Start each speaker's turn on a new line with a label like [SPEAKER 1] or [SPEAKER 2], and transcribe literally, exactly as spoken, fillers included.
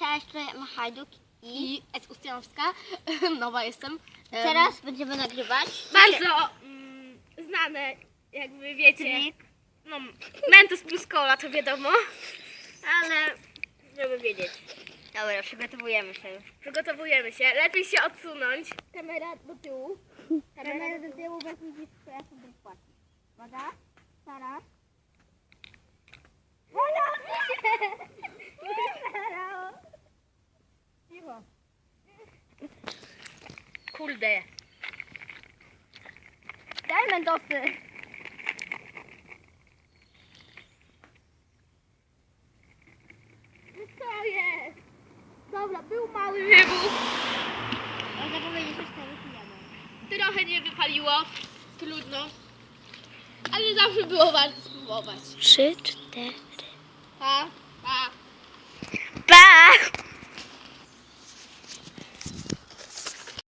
[SPEAKER 1] Cześć, tutaj Emma Hajduk i
[SPEAKER 2] I S. Ustianowska. Nowa jestem. Em,
[SPEAKER 1] teraz będziemy nagrywać.
[SPEAKER 2] Bardzo mm, znane, jakby wiecie.
[SPEAKER 1] Trik.
[SPEAKER 2] No, Mentos plus cola to wiadomo. Ale żeby wiedzieć.
[SPEAKER 1] Dobra, przygotowujemy się już.
[SPEAKER 2] Przygotowujemy się. Lepiej się odsunąć. Kamera do tyłu.
[SPEAKER 1] Kamera do tyłu, bo widzisz, co ja sobie płacę. Woda, Sara. Woda! Cicho.
[SPEAKER 2] Kurde.
[SPEAKER 1] Daj Mentosy.
[SPEAKER 2] No co jest? Dobra, był mały wybuch.
[SPEAKER 1] Można powiedzieć, że cztery pijemy.
[SPEAKER 2] Trochę nie wypaliło. Trudno. Ale zawsze było warto spróbować.
[SPEAKER 1] Trzy, cztery.
[SPEAKER 2] Pa, pa.
[SPEAKER 1] Pa!